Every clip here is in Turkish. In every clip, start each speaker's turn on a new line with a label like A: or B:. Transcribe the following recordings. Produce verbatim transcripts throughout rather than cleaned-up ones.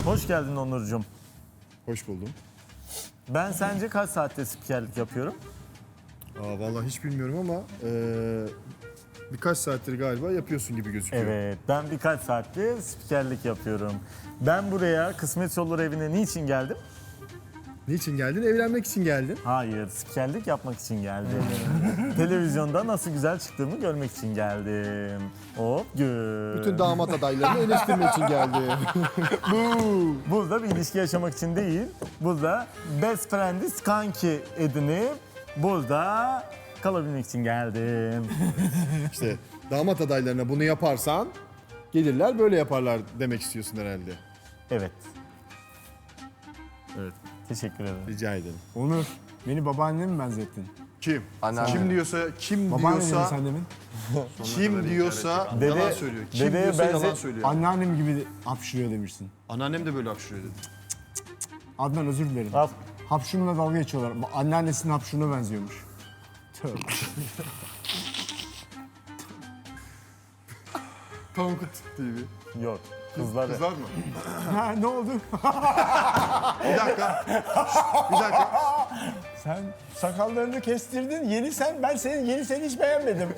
A: Hoş geldin Onurcuğum.
B: Hoş buldum.
A: Ben sence kaç saatte spikerlik yapıyorum?
B: Aa, vallahi hiç bilmiyorum ama eee, birkaç saattir galiba yapıyorsun gibi gözüküyor.
A: Evet, ben birkaç saattir spikerlik yapıyorum. Ben buraya Kısmet Olur evine niçin geldim?
B: Niçin geldin? Evlenmek için geldin.
A: Hayır, spikerlik yapmak için geldim. Televizyonda nasıl güzel çıktığımı görmek için geldim. Hop gör.
B: Bütün damat adaylarını eleştirmek için geldi.
A: Burada bir ilişki yaşamak için değil, burada best friend'i kanki edinip burada kalabilmek için geldim.
B: İşte damat adaylarına bunu yaparsan gelirler böyle yaparlar demek istiyorsun herhalde.
A: Evet,
B: Evet.
A: teşekkür ederim.
B: Rica ederim.
C: Onur, beni babaannene mi benzettin?
B: Kim?
D: Anneanne.
B: Kim diyorsa, kim
C: Babaanne dedin
B: diyorsa,
C: sen demin.
B: kim diyorsa
A: Dede-
B: yalan söylüyor. Kim
A: dedeye
B: diyorsa yalan
A: benze-
B: söylüyor.
C: Anneannem gibi hapşırıyor demişsin.
B: Anneannem de böyle hapşırıyor dedi.
C: Adnan özür dilerim.
A: Al.
C: Hapşurumla dalga geçiyorlar. Anneannesinin hapşuruna benziyormuş. Tövbe.
B: Tankut T V.
A: Yok, kızlar.
B: Kızlar mı?
C: Ha, ne oldu?
B: Bir dakika. Bir dakika.
C: Sen sakallarını kestirdin. Yeni sen, ben senin yeni seni hiç beğenmedim.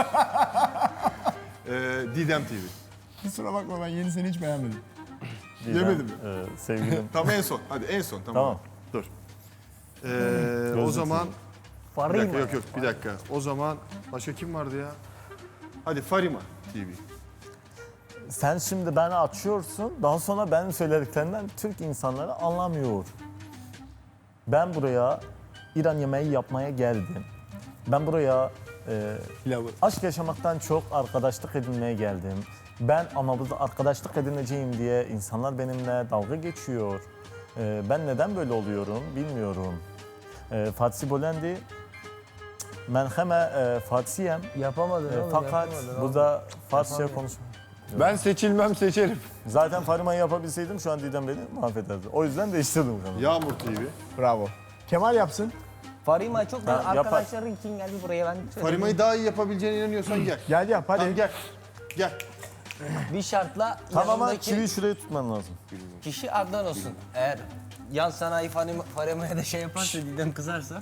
B: Ee, Didem T V.
C: Kusura bakma, ben yeni seni hiç beğenmedim.
A: Didem,
B: Yemedim mi?
A: e, sevgilim.
B: Tamam en son. Hadi en son. Tamam.
A: Tamam.
B: Dur. Ee, o zaman... Bir dakika, yok yok bir dakika. O zaman başka kim vardı ya? Hadi Farima T V.
A: Sen şimdi beni açıyorsun, daha sonra benim söylediklerimden Türk insanları anlamıyor. Ben buraya İran yemeği yapmaya geldim. Ben buraya e,
C: Pilavı.
A: aşk yaşamaktan çok arkadaşlık edinmeye geldim. Ben ama burada arkadaşlık edineceğim diye insanlar benimle dalga geçiyor. E, ben neden böyle oluyorum bilmiyorum. E, Fatih Bolendi, ben hemen e, Fatih'im.
D: Yapamadın
A: E,
D: oğlum,
A: fakat
D: yapamadın
A: burada Farsça konuşmam.
D: Ben seçilmem seçerim.
A: Zaten Farima'yı yapabilseydim şu an Didem beni mahvederdi. O yüzden değiştirdim kanalı.
B: Yağmur T V.
C: Bravo. Kemal yapsın.
E: Farima çok da
A: Ha, yapar.
E: arkadaşların için geldi buraya ben
B: Farima'yı daha iyi yapabileceğine inanıyorsan gel.
C: Gel yap hadi.
B: Tamam gel. Gel.
E: bir şartla
A: Tamam ama
E: yanındaki
A: çiviyi şuraya tutman lazım.
E: kişi Adnan olsun. Eğer yan sanayi Farima, Farima'ya da şey yaparsa Didem kızarsa.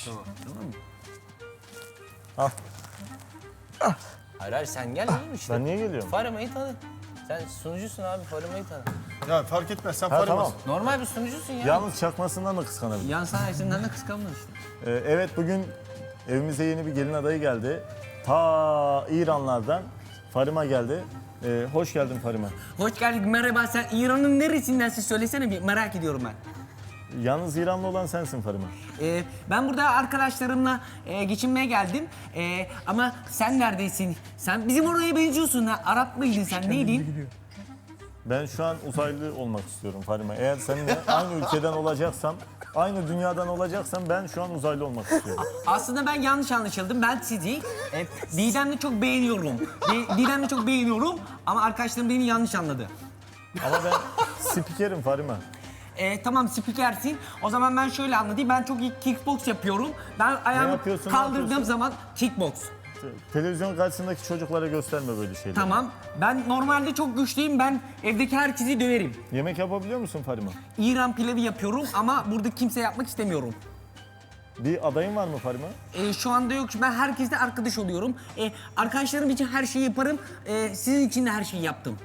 A: Al.
E: Hayır hayır sen gel oğlum işte.
A: Ben niye geliyorum?
E: Farima'yı tanı. Sen sunucusun abi Farima'yı tanı.
B: Ya fark etmez sen
A: Ha,
B: Farima'sın.
A: tamam.
E: Normal bir sunucusun ya.
A: Yalnız çakmasından da kıskanabilirim.
E: Yan sanayisinden de kıskanma işte.
A: Ee, evet bugün evimize yeni bir gelin adayı geldi. Ta İranlardan Farima geldi. Ee, hoş geldin Farima.
E: Hoş geldik merhaba sen İran'ın neresindensin söylesene bir merak ediyorum ben.
A: Yalnız İranlı olan sensin Farima.
E: Ee, ben burada arkadaşlarımla e, geçinmeye geldim. E, ama sen neredesin? Sen bizim oraya benziyorsun ha. Arap mıydın sen? Neydin?
A: Ben şu an uzaylı olmak istiyorum Farima. Eğer seninle aynı ülkeden olacaksam, aynı dünyadan olacaksam ben şu an uzaylı olmak istiyorum.
E: Aslında ben yanlış anlaşıldım. Ben sizi e, Didem'le çok beğeniyorum. Di- Didem'le çok beğeniyorum ama arkadaşlarım beni yanlış anladı.
A: Ama ben spikerim Farima.
E: E, tamam spikersin. O zaman ben şöyle anlatayım. Ben çok iyi kickbox yapıyorum. Ben ayağımı
A: yapıyorsun, ne
E: kaldırdığım
A: yapıyorsun?
E: zaman kickbox.
A: Televizyon karşısındaki çocuklara gösterme böyle şeyleri.
E: Tamam. Ben normalde çok güçlüyüm. Ben evdeki herkesi döverim.
A: Yemek yapabiliyor musun Farima?
E: İran pilavı yapıyorum ama burada kimse yapmak istemiyorum.
A: Bir adayın var mı Farima?
E: Ee, şu anda yok. Ben herkesle arkadaş oluyorum. Ee, arkadaşlarım için her şeyi yaparım. Ee, sizin için de her şeyi yaptım.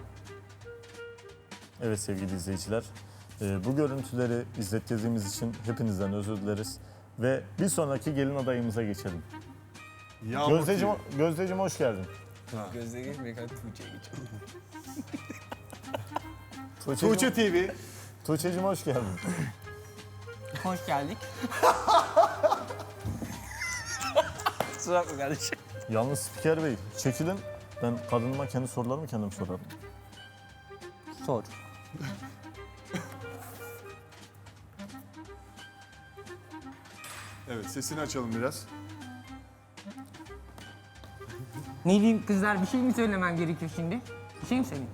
A: Evet sevgili izleyiciler, e, bu görüntüleri izlettiğimiz için hepinizden özür dileriz. Ve bir sonraki gelin adayımıza geçelim.
B: Yağmur
A: Gözdeciğim,
B: T V.
A: Gözdeciğim hoş geldin.
E: Gözde geçmeyek hadi Tuğçe'ye geçelim.
A: Tuğçe'cim,
B: Tuğçe T V.
A: Tuğçe'cim hoş geldin.
E: Hoş geldik. Kusura bakma kardeşim.
A: Yalnız Spiker Bey, çekilin. Ben kadınıma kendi sorularımı kendim sorarım.
E: Sor.
B: Evet sesini açalım biraz.
E: Ne diyeyim kızlar bir şey mi söylemem gerekiyor şimdi? Bir şey mi söyleyeyim?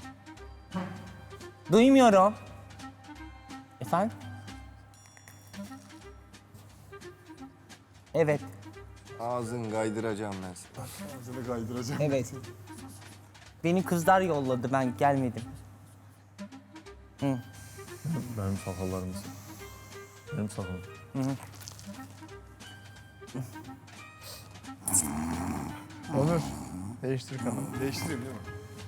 E: Duymuyorum. Efendim? Evet,
D: Ağzını kaydıracağım ben sana.
B: Ağzını kaydıracağım.
E: evet. Beni kızlar yolladı, ben gelmedim. Hı.
A: Benim sakallarım. Benim sakalım.
C: Onur. Değiştir kanalı.
B: Değiştireyim değil mi?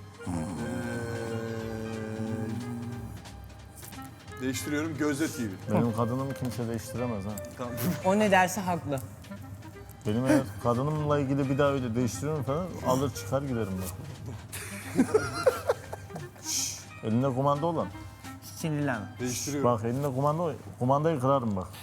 B: Ee, değiştiriyorum. Gözde T V.
A: Benim kadınımı kimse değiştiremez ha.
B: Tamam.
E: O ne derse haklı.
A: Benim eğer kadınımla ilgili bir daha öyle değiştiriyorum falan alır çıkar giderim bak. Şşş, elinde kumanda olan.
E: Sinirlenme.
B: Değiştiriyorum.
A: Bak elinde kumanda kumandayı kırarım bak.